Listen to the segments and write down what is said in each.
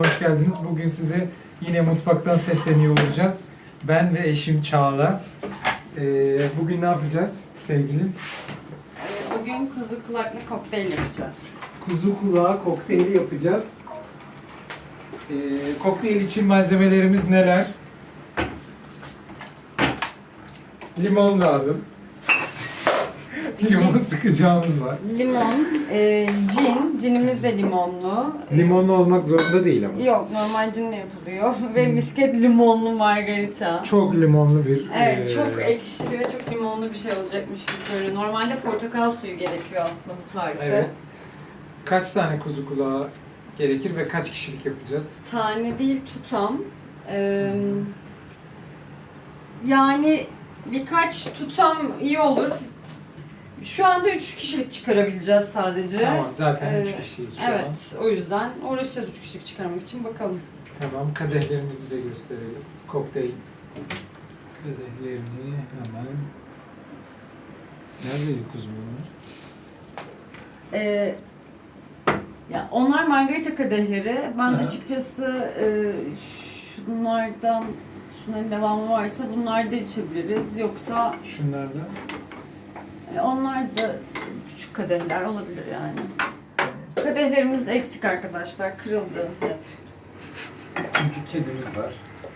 Hoş geldiniz. Bugün size yine mutfaktan sesleniyor olacağız. Ben ve eşim Çağla. Bugün ne yapacağız sevgilim? Bugün kuzu kulaklı kokteyl yapacağız. Kuzu kulağı kokteyli yapacağız. Kokteyl için malzemelerimiz neler? Limon lazım. Limon sıkacağımız var. Limon, cinimiz de limonlu. Limonlu olmak zorunda değil ama. Yok, normal cinle yapılıyor ve misket limonlu margarita. Çok limonlu bir... Evet, çok ekşili ve çok limonlu bir şey olacakmış gibi söylüyor. Normalde portakal suyu gerekiyor aslında bu tarife. Evet. Kaç tane kuzu kulağı gerekir ve kaç kişilik yapacağız? Tane değil, tutam. Yani birkaç tutam iyi olur. Şu anda 3 kişilik çıkarabileceğiz sadece. Tamam, zaten 3 kişiyiz şu an. Evet, o yüzden uğraşacağız 3 kişilik çıkarmak için, bakalım. Tamam, kadehlerimizi de gösterelim. Kokteyl kadehlerini hemen... Neredeydi kuzu bunlar? Ya onlar margarita kadehleri. Ben Aha. açıkçası şunların devamı varsa bunlar da içebiliriz. Yoksa Şunlar da. onlar da küçük kadehler olabilir yani. Kadehlerimiz eksik arkadaşlar, kırıldı. Çünkü kedimiz var.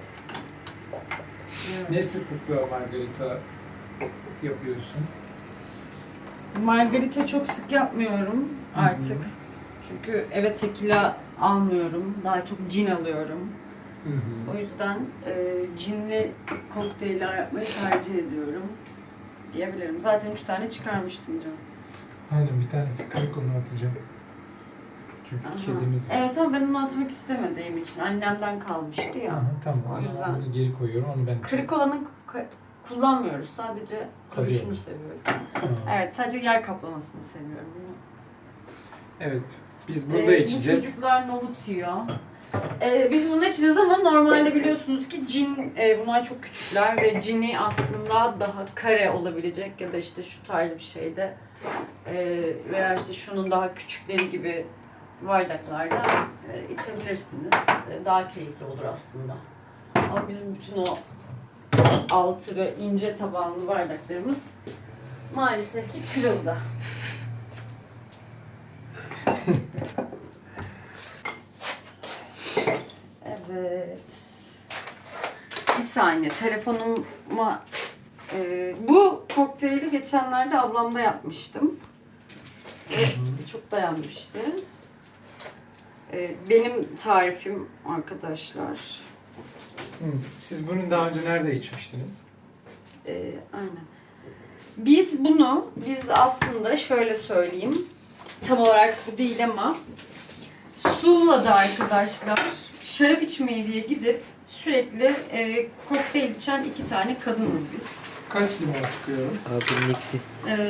Ne sıklıkla margarita yapıyorsun? Margarita çok sık yapmıyorum artık. Hı hı. Çünkü eve tekila almıyorum. Daha çok cin alıyorum. Hı hı. O yüzden cinli kokteyller yapmayı tercih ediyorum diyebilirim. Zaten 3 tane çıkarmıştım canım. Aynen, bir tanesi kırık, onu atacağım. Çünkü Aha. kedimiz var. Evet ama ben onu atmak istemediğim için. Annemden kalmıştı ya. Aha, tamam, O o zaman yüzden. bunu geri koyuyorum, onu ben... Kırık olanı kullanmıyoruz. Sadece Kalıyor duruşunu mu? seviyorum. Aa. Evet, sadece yer kaplamasını seviyorum. Evet, biz burada içeceğiz. Bu çocuklar nohut yiyor. Biz bunu içeceğiz ama normalde biliyorsunuz ki cin, bunlar çok küçükler ve cini aslında daha kare olabilecek ya da işte şu tarz bir şeyde veya işte şunun daha küçükleri gibi bardaklarda içebilirsiniz. Daha keyifli olur aslında. Ama bizim bütün o altı ve ince tabanlı bardaklarımız maalesef ki kırıldı. Evet. Bir saniye, telefonuma... bu kokteyli geçenlerde ablamda yapmıştım. Ve çok beğenmişti. Benim tarifim arkadaşlar. Hı. Siz bunu daha önce nerede içmiştiniz? Aynen. Biz aslında şöyle söyleyeyim. Tam olarak bu değil ama Suvla'da arkadaşlar şarap içmeye diye gidip sürekli kokteyl içen 2 tane kadınız biz. Kaç limon sıkıyorum? Abinin ikisi. E,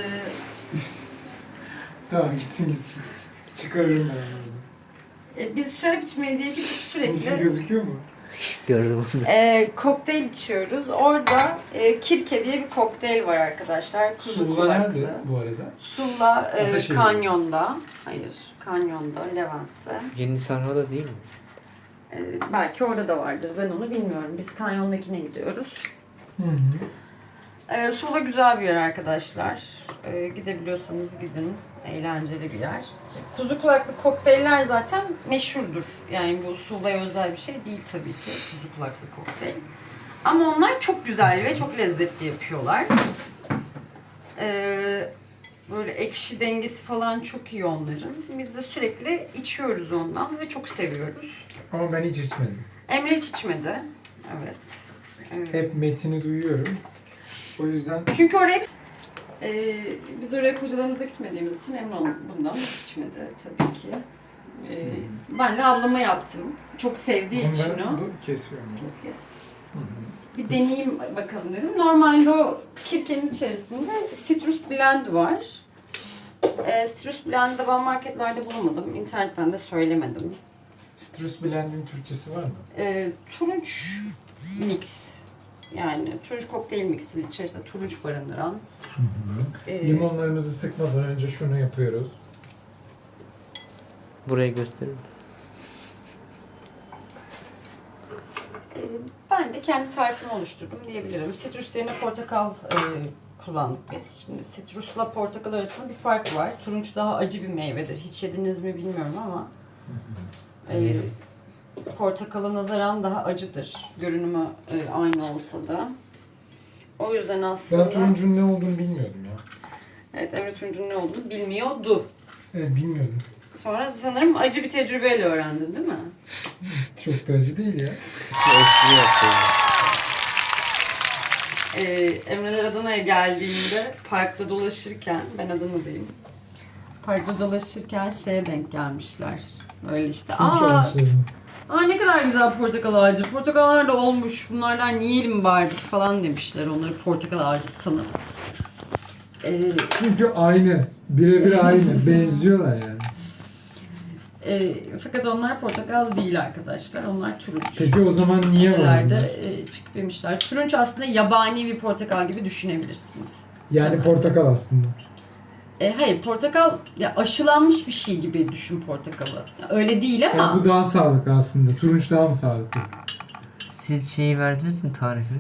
Tamam, gitsin gitsin. Çıkarırım ben onu. Biz şarap içmeye diye gidip Bunun içi sürekli gözüküyor mu? Gördüm onu. kokteyl içiyoruz. Orada Kirke diye bir kokteyl var arkadaşlar. Kuzu Suvla kulaklı. nerede bu arada? Suvla Ataşehir. Kanyon'da. Hayır, Kanyon'da, Levent'te. Yeni Sarha'da değil mi? Belki orada da vardır. Ben onu bilmiyorum. Biz Kanyon'dakine gidiyoruz. Hı hı. Sula güzel bir yer arkadaşlar. Gidebiliyorsanız gidin. Eğlenceli bir yer. Kuzu kulaklı kokteyller zaten meşhurdur. Yani bu Sula'ya özel bir şey değil tabii ki kuzu kulaklı kokteyl. Ama onlar çok güzel ve çok lezzetli yapıyorlar. Böyle ekşi dengesi falan çok iyi onların. Biz de sürekli içiyoruz ondan ve çok seviyoruz. Ama ben hiç içmedim. Emre hiç içmedi. Evet. Hep metini duyuyorum. O yüzden... Çünkü oraya biz oraya kocalarımızla gitmediğimiz için Emre bundan hiç içmedi tabii ki. Ben de ablama yaptım. Çok sevdiği için o. Kesiyorum. Kes. Hı hı. Bir deneyeyim bakalım dedim. Normalde o kirkenin içerisinde citrus blend var. Citrus blend'i ben marketlerde bulamadım. İnternetten de söylemedim. Citrus Blend'in Türkçesi var mı? Turunç mix. Yani turunç kokteyl mixi içerisinde turunç barındıran. Hı hı. Limonlarımızı sıkmadan önce şunu yapıyoruz. Buraya gösterir misin? Ben de kendi tarifimi oluşturdum diyebilirim. Sitrus yerine portakal kullandık biz. Şimdi sitrusla portakal arasında bir fark var. Turunç daha acı bir meyvedir. Hiç yediniz mi bilmiyorum ama portakala nazaran daha acıdır. Görünümü aynı olsa da. O yüzden aslında... Ben turuncunun ne olduğunu bilmiyordum ya. Evet, Emre turuncunun ne olduğunu bilmiyordu. Evet, bilmiyordum. Sonra sanırım acı bir tecrübeyle öğrendin değil mi? Çok da acı değil ya. Espri yapıyorum. Emreler Adana'ya geldiğinde parkta dolaşırken, ben Adana'dayım. Parkta dolaşırken şeye denk gelmişler. Böyle işte, Turunç ağaçlarını. ne kadar güzel portakal ağacı. Portakallar da olmuş, bunlardan yiyelim bari biz falan demişler. Onları portakal ağacı sanıp. Çünkü aynı. Birebir aynı. Benziyorlar yani. Fakat onlar portakal değil arkadaşlar. Onlar turunç. Peki o zaman niye var bunlar? Nelerde çıkıp yemişler. Turunç aslında yabani bir portakal gibi düşünebilirsiniz. Yani Temel. portakal aslında. Hayır, portakal ya aşılanmış bir şey gibi düşün portakalı. Ya, öyle değil ama. Yani bu daha sağlıklı aslında. Turunç daha mı sağlıklı? Siz şeyi verdiniz mi tarifini?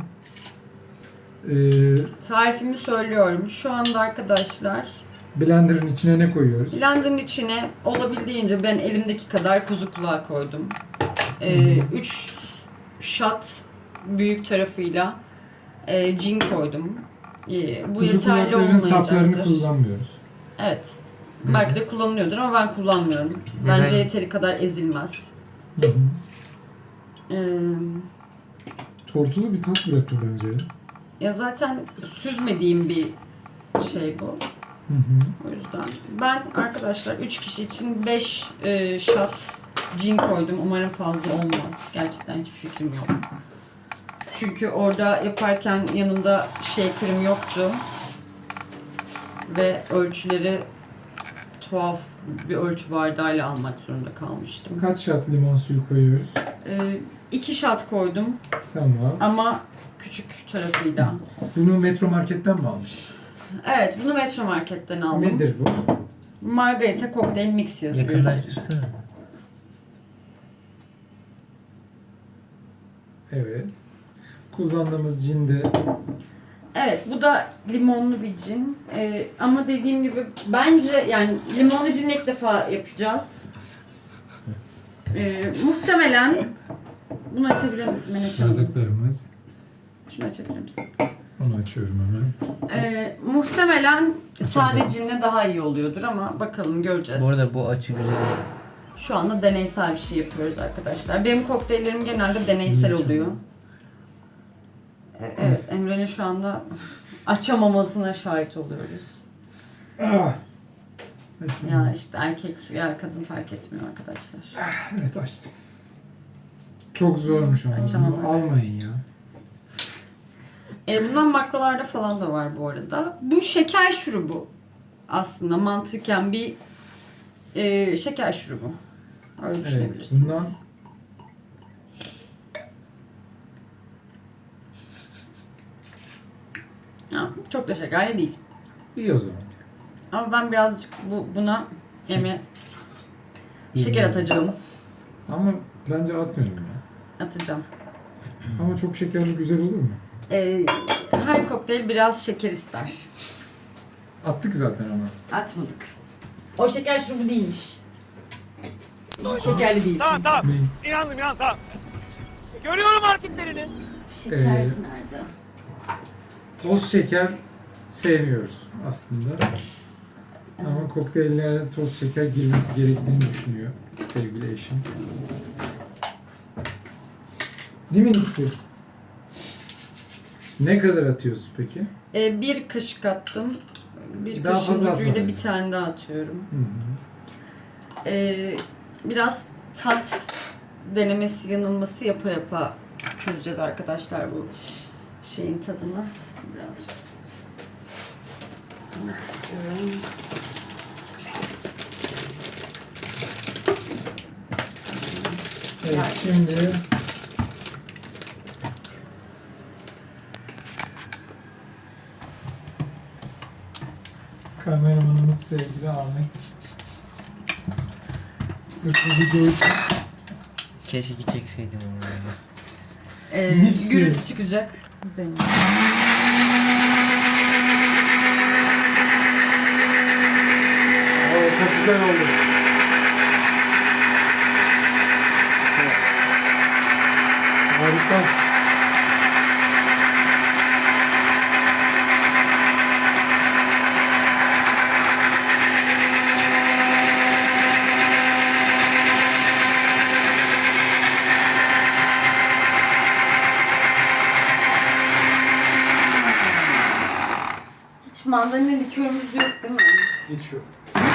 Tarifimi söylüyorum. Şu anda arkadaşlar Blender'ın içine ne koyuyoruz? blenderın içine olabildiğince ben elimdeki kadar kuzu kulağı koydum. 3 shot büyük tarafıyla cin koydum. Bu Kuzu yeterli kulaklarının saplarını olmayacaktır. kullanmıyoruz. Evet. Belki de kullanılıyordur ama ben kullanmıyorum. Neden? Bence yeteri kadar ezilmez. Hı hı. Ee, Tortulu bir tat bırakıyor bence ya. Ya zaten süzmediğim bir şey bu. Hı hı. O yüzden ben arkadaşlar 3 kişi için 5 shot cin koydum. Umarım fazla olmaz. Gerçekten hiçbir fikrim yok. Çünkü orada yaparken yanımda shaker'ım yoktu. Ve ölçüleri tuhaf bir ölçü bardağıyla almak zorunda kalmıştım. Kaç shot limon suyu koyuyoruz? 2 shot koydum Tamam. ama küçük tarafıyla. Bunu Metro Market'ten mi almıştın? Evet, bunu Metro Market'ten aldım. Nedir bu? Margarita Cocktail Mix yazıyor. Yakınlaştırsana. Evet. Kullandığımız cinde Evet, bu da limonlu bir cin. Ama dediğim gibi bence yani limonlu cin ilk defa yapacağız. Muhtemelen bunu açabilir misin? Ben açalım. bardaklarımız. Şunu açabilir misin? Onu açıyorum hemen. Muhtemelen sade cinle daha iyi oluyordur ama bakalım göreceğiz. Bu arada bu açı güzel. Şu anda deneysel bir şey yapıyoruz arkadaşlar. Benim kokteyllerim genelde deneysel oluyor. Evet, Emre'nin şu anda açamamasına şahit oluyoruz. Ah! Açayım. Ya işte erkek ya kadın fark etmiyor arkadaşlar. Evet, açtım. Çok zormuş ama. Açamadım. Bunu almayın ya. Bundan makrolarda falan da var bu arada. Bu şeker şurubu aslında mantıken bir şeker şurubu. Öyle Evet. düşünebilirsiniz. Bundan Ya, çok da şekerli değil. iyi o zaman. Ama ben birazcık buna şeker atacağım. Ama bence atmıyorum ya. Atacağım. Ama çok şekerli güzel olur mu? Her kokteyl biraz şeker ister. Attık zaten ama. Atmadık. O şeker şurubu değilmiş. Şekerli değil. Tamam. Ne? İnandım tamam. Görüyorum hareketlerini. Şeker Ee, nerede? Toz şeker sevmiyoruz aslında. Ama kokteyllerde toz şeker girmesi gerektiğini düşünüyor sevgili eşim. Değil mi Nixi? Ne kadar atıyorsun peki? Bir kaşık attım. Bir Daha kaşığın fazla ucuyla atmadın. bir tane daha atıyorum. Hı hı. Biraz tat denemesi, yanılması yapa yapa çözeceğiz arkadaşlar bu şeyin tadını. Birazcık. Evet, şimdi kameramanımız sevgili Ahmet. Sırf bu videoyu Keşke çekseydim onu. Mixi. Gürültü çıkacak. Benim. Oo, çok güzel oldu. Harika. Hiç mandalina likörümüz yok değil mi? Hiç yok.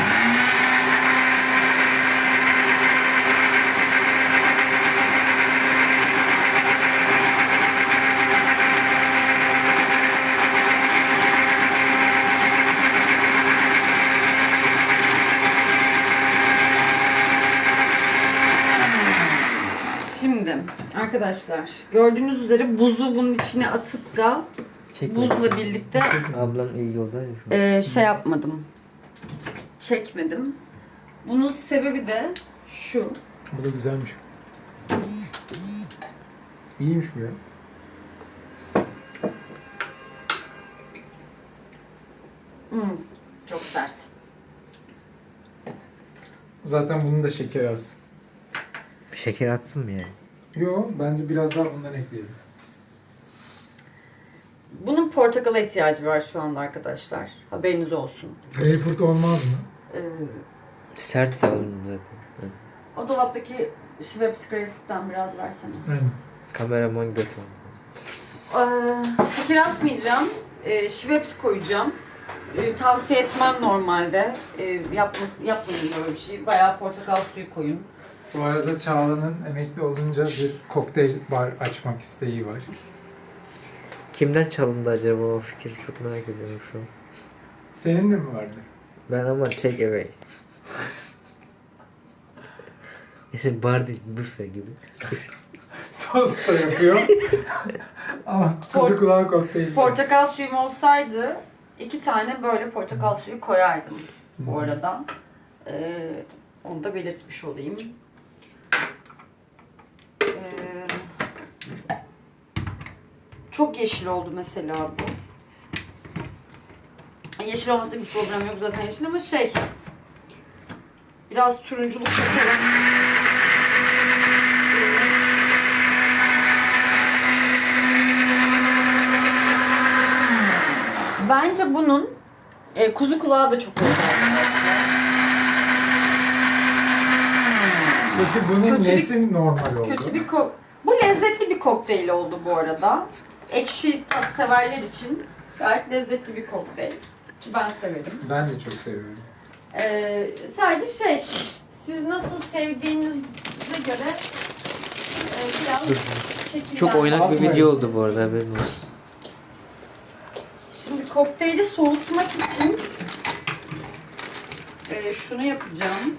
Şimdi arkadaşlar gördüğünüz üzere buzu bunun içine atıp da Çekme. buzla birlikte Ablam iyi yolda ya şu an. şey yapmadım. Çekmedim. Bunun sebebi de şu. Bu da güzelmiş. İyiymiş bu ya. Çok sert. Zaten bunun da şekeri az. Şeker atsın mı yani? Yo, bence biraz daha bundan ekleyelim. Bunun portakala ihtiyacı var şu anda arkadaşlar. Haberiniz olsun. Greyfurt olmaz mı? Ee, Sert ya oğlum zaten. o dolaptaki Schweppes Greyfurt'tan biraz versene. Aynen. Kameraman götü. Şeker atmayacağım. Schweppes koyacağım. Tavsiye etmem normalde. Yapmayın böyle bir şey. Bayağı portakal suyu koyun. Bu arada Çağla'nın emekli olunca bir kokteyl bar açmak isteği var. Kimden çalındı acaba o fikir? Çok merak ediyorum şu an. Senin de mi vardı? Ben ama take away. Yani bar değil, büfe gibi. Tost da yapıyor. Ama kuzu kulağı kokteyl. Portakal suyum olsaydı 2 tane böyle portakal suyu koyardım bu arada. Onu da belirtmiş olayım. Çok yeşil oldu mesela bu. Yeşil olmasında bir problem yok zaten yeşil ama biraz turunculuk katalım. Bence bunun kuzu kulağı da çok oldu. Peki bunun Kötü bir- nesi normal oldu? Kötü bir bu lezzetli bir kokteyl oldu bu arada. Ekşi tat severler için gayet lezzetli bir kokteyl. Ki ben severim. Ben de çok seviyorum. Sadece siz nasıl sevdiğinize göre biraz şekillendir. Çok oynak bir Atmayın. video oldu bu arada, haberin olsun. Şimdi kokteyli soğutmak için şunu yapacağım.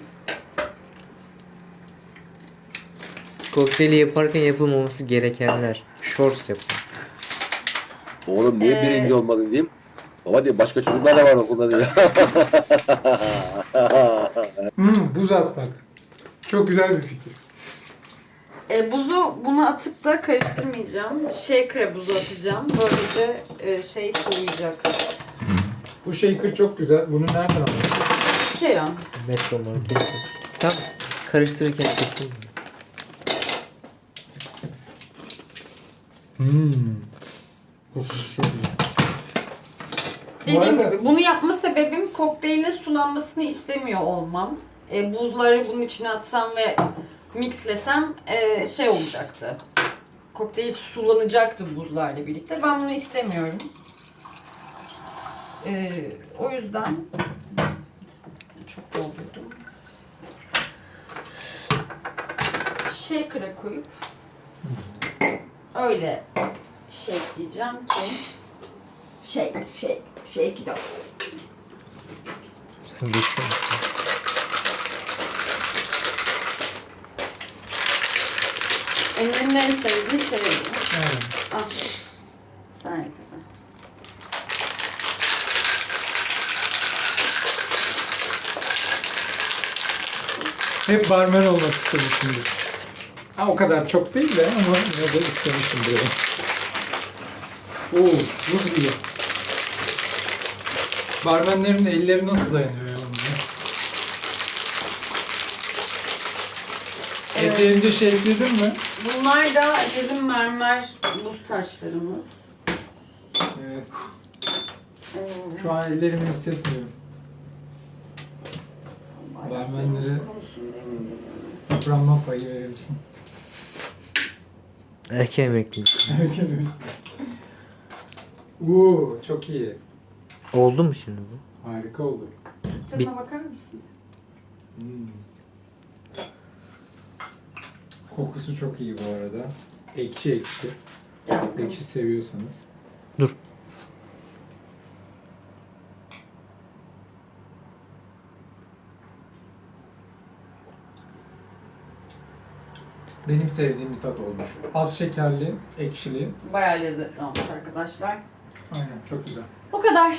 Kokteyli yaparken yapılmaması gerekenler. Shorts yapın. Oğlum niye birinci olmadın diyeyim. Baba diye başka çocuklar da var okulda diyor. Buz atmak. Çok güzel bir fikir. Buzu buna atıp da karıştırmayacağım. Shaker'a buzu atacağım. Böylece soğuyacak. Bu shaker çok güzel. Bunu nereden aldın? Ya. Metro market. Tam karıştırırken çektim. Kokusu çok güzel. Dediğim arada- gibi bunu yapma sebebim kokteylin sulanmasını istemiyor olmam. Buzları bunun içine atsam ve mixlesem olacaktı. Kokteyl sulanacaktı buzlarla birlikte. Ben bunu istemiyorum. O yüzden çok doldurdum. Shaker'a koyup öyle shakeleyeceğim ki shake it up. Sen geçsene. Emre'nin en sevdiği şey bu. Evet. Ah. Sen yap. Hep barmen olmak istemişimdir. Ha, o kadar çok değil de ama yine de istemiştim biraz. Oo, buz gibi. Barmenlerin elleri nasıl dayanıyor ya bunlara? Evet. Yeterince şey ekledin mi? Bunlar da bizim mermer buz taşlarımız. Evet. Ee, Şu an ellerimi hissetmiyorum. barmenlere- konusunda emin değiliz. Yıpranma payı verirsin. Erken emekli. Oo, çok iyi. Oldu mu şimdi bu? Harika oldu. Tadına bakar mısın? Hmm. Kokusu çok iyi bu arada. Ekşi ekşi. Gel bakalım. Ekşi seviyorsanız. Dur. Benim sevdiğim bir tat olmuş. Az şekerli, ekşili. Bayağı lezzetli olmuş arkadaşlar. Aynen, çok güzel. Bu kadar.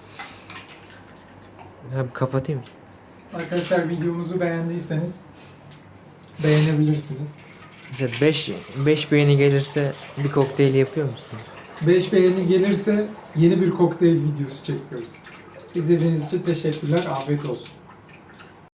Ya kapatayım. Arkadaşlar, videomuzu beğendiyseniz beğenebilirsiniz. Mesela 5 beğeni gelirse bir kokteyl yapıyor musun? 5 beğeni gelirse yeni bir kokteyl videosu çekiyoruz. İzlediğiniz için teşekkürler. Afiyet olsun.